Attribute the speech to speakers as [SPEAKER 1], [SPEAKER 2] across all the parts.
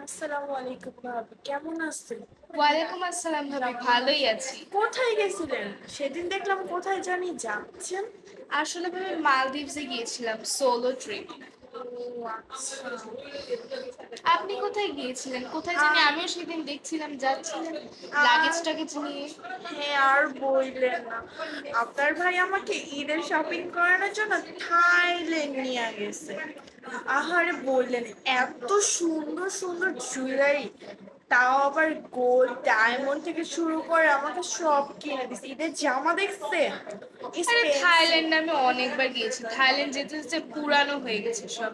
[SPEAKER 1] আসসালামু আলাইকুম ভাবি, কেমন আছেন?
[SPEAKER 2] ওয়ালাইকুম আসসালাম ভাবি, ভালোই আছি।
[SPEAKER 1] কোথায় গেছিলেন? সেদিন দেখলাম কোথায় জানি যাচ্ছেন।
[SPEAKER 2] আসলে ভাবি মালদ্বীপসে গিয়েছিলাম সোলো ট্রিপ।
[SPEAKER 1] ও আচ্ছা।
[SPEAKER 2] আপনি কোথায় গিয়েছিলেন? কোথায় জানি
[SPEAKER 1] আর
[SPEAKER 2] আমিও সেদিন দেখছিলাম যাচ্ছিলেন লাগেজ
[SPEAKER 1] আর
[SPEAKER 2] টাগেজ নিয়ে।
[SPEAKER 1] হ্যাঁ, আর বললেন না। আপনার ভাই আমাকে ঈদের শপিং করানোর জন্য থাইল্যান্ড নিয়ে গেছে। আহারে বললেন, এত সুন্দর সুন্দর জুয়েলারি, তাও আবার গোল্ড ডায়মন্ড থেকে শুরু করে আমাকে সব কিনে দিছে। ঈদের জামা দেখছে,
[SPEAKER 2] আরে
[SPEAKER 1] এক্সপেন্সিভ।
[SPEAKER 2] থাইল্যান্ড আমি অনেকবার গিয়েছি, থাইল্যান্ড যেতে যেতে পুরানো হয়ে গেছে সব।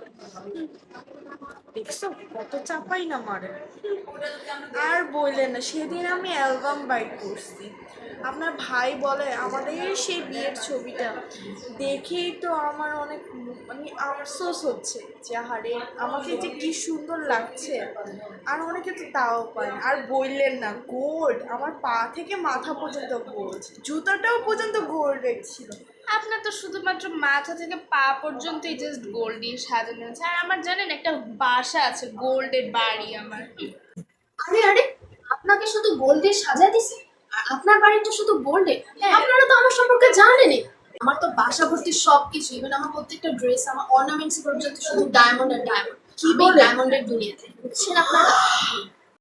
[SPEAKER 1] দেখছো কত চাপাই না মারে। আর বললেন না, সেদিন আমি অ্যালবাম বাই করছি। আপনার ভাই বলে আমাদের সেই বিয়ের ছবিটা দেখেই তো আমার অনেক মানে আফসোস হচ্ছে যে হারে আমাকে যে কি সুন্দর লাগছে। আর অনেকে তো তাও পায় না। আর বললেন না, গোল্ড আমার পা থেকে মাথা পর্যন্ত গোল্ড, জুতাটাও পর্যন্ত গোল্ডের ছিল।
[SPEAKER 2] আপনার তো শুধুমাত্র মাথা থেকে পা পর্যন্তই জাস্ট গোল্ড দিয়ে সাজানো আছে, আর আমার জানেন একটা বাসা আছে, গোল্ডের বাড়ি আমার।
[SPEAKER 3] আরে আরে, আপনাকে শুধু গোল্ডে সাজায় দিছে? আর আপনার বাড়িটা শুধু গোল্ডে?
[SPEAKER 2] হ্যাঁ।
[SPEAKER 3] আপনারা তো আমার সম্পর্কে জানেনই। আমার তো বাসা ভর্তি সবকিছু, ইভেন আমার প্রত্যেকটা ড্রেস, আমার অর্নামেন্টস পর্যন্ত শুধু ডায়মন্ড আর ডায়মন্ড।
[SPEAKER 1] কি
[SPEAKER 3] আমি
[SPEAKER 1] বলেন?
[SPEAKER 3] ডায়মন্ডের দুনিয়াতে, বুঝছেন আপনারা?